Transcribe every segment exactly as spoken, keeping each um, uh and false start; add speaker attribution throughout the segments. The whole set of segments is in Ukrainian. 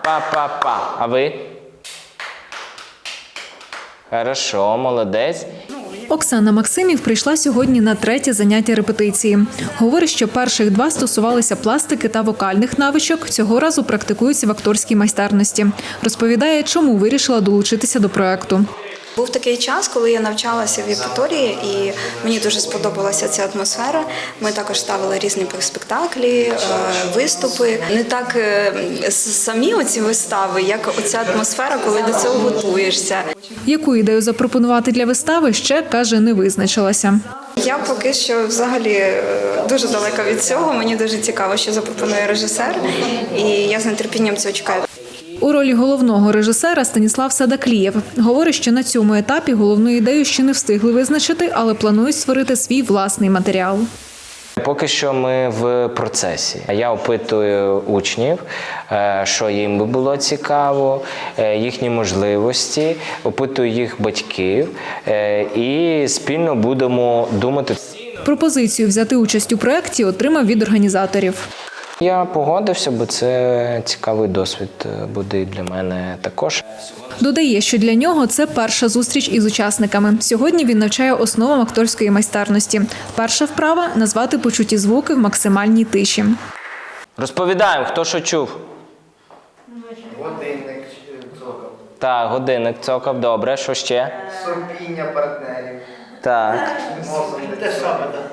Speaker 1: Па-па-па. А ви? Хорошо, молодець.
Speaker 2: Оксана Максимів прийшла сьогодні на третє заняття репетиції. Говорить, що перших два стосувалися пластики та вокальних навичок, цього разу практикуються в акторській майстерності. Розповідає, чому вирішила долучитися до проекту.
Speaker 3: Був такий час, коли я навчалася в Євпаторії, і мені дуже сподобалася ця атмосфера. Ми також ставили різні спектаклі, виступи. Не так самі оці вистави, як оця атмосфера, коли до цього готуєшся.
Speaker 2: Яку ідею запропонувати для вистави, ще, каже, не визначилася.
Speaker 3: Я поки що взагалі дуже далека від цього. Мені дуже цікаво, що запропонує режисер, і я з нетерпінням цього чекаю.
Speaker 2: У ролі головного режисера Станіслав Садаклієв. Говорить, що на цьому етапі головну ідею ще не встигли визначити, але планують створити свій власний матеріал.
Speaker 1: Поки що ми в процесі. Я опитую учнів, що їм би було цікаво, їхні можливості, опитую їх батьків і спільно будемо думати.
Speaker 2: Пропозицію взяти участь у проєкті отримав від організаторів.
Speaker 1: Я погодився, бо це цікавий досвід буде і для мене також.
Speaker 2: Додає, що для нього це перша зустріч із учасниками. Сьогодні він навчає основам акторської майстерності. Перша вправа – назвати почуті звуки в максимальній тиші.
Speaker 1: Розповідаємо, хто що чув.
Speaker 4: Годинник цокав.
Speaker 1: Так, годинник цокав, добре. Що ще?
Speaker 4: Сопіння партнерів.
Speaker 1: Так.
Speaker 4: Носом. Те саме, так.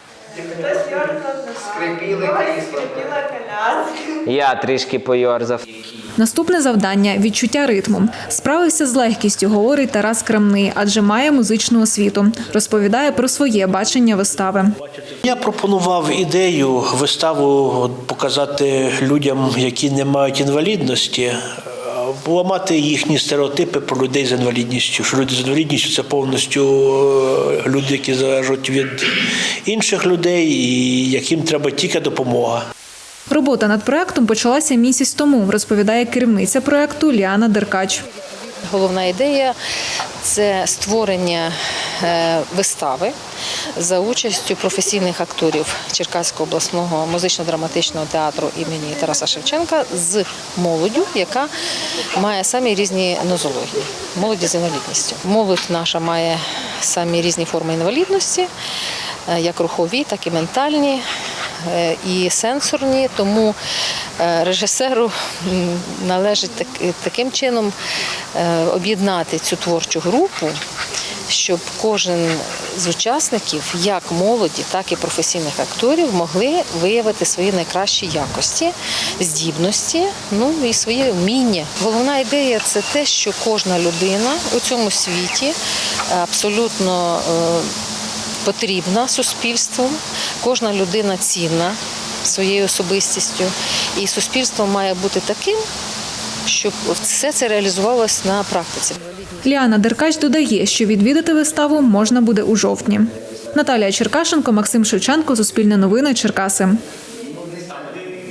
Speaker 4: Скрипіли крісло.
Speaker 1: Я трішки пойорзав.
Speaker 2: Наступне завдання – відчуття ритму. Справився з легкістю, говорить Тарас Крамний, адже має музичну освіту. Розповідає про своє бачення вистави.
Speaker 5: Я пропонував ідею виставу показати людям, які не мають інвалідності, поламати їхні стереотипи про людей з інвалідністю. Що люди з інвалідністю – це повністю люди, які залежать від інших людей і яким треба тільки допомога.
Speaker 2: Робота над проєктом почалася місяць тому, розповідає керівниця проєкту Ліана Деркач.
Speaker 6: Головна ідея – це створення вистави за участю професійних акторів Черкаського обласного музично-драматичного театру імені Тараса Шевченка з молоддю, яка має самі різні нозології, молоді з інвалідністю. Молодь наша має самі різні форми інвалідності, як рухові, так і ментальні, і сенсорні, тому режисеру належить таким чином об'єднати цю творчу групу, щоб кожен з учасників, як молоді, так і професійних акторів, могли виявити свої найкращі якості, здібності, ну і свої вміння. Головна ідея – це те, що кожна людина у цьому світі абсолютно потрібна суспільству, кожна людина цінна своєю особистістю, і суспільство має бути таким, щоб все це реалізувалося на практиці.
Speaker 2: Ліана Деркач додає, що відвідати виставу можна буде у жовтні. Наталія Черкашенко, Максим Шевченко, Суспільне новини, Черкаси.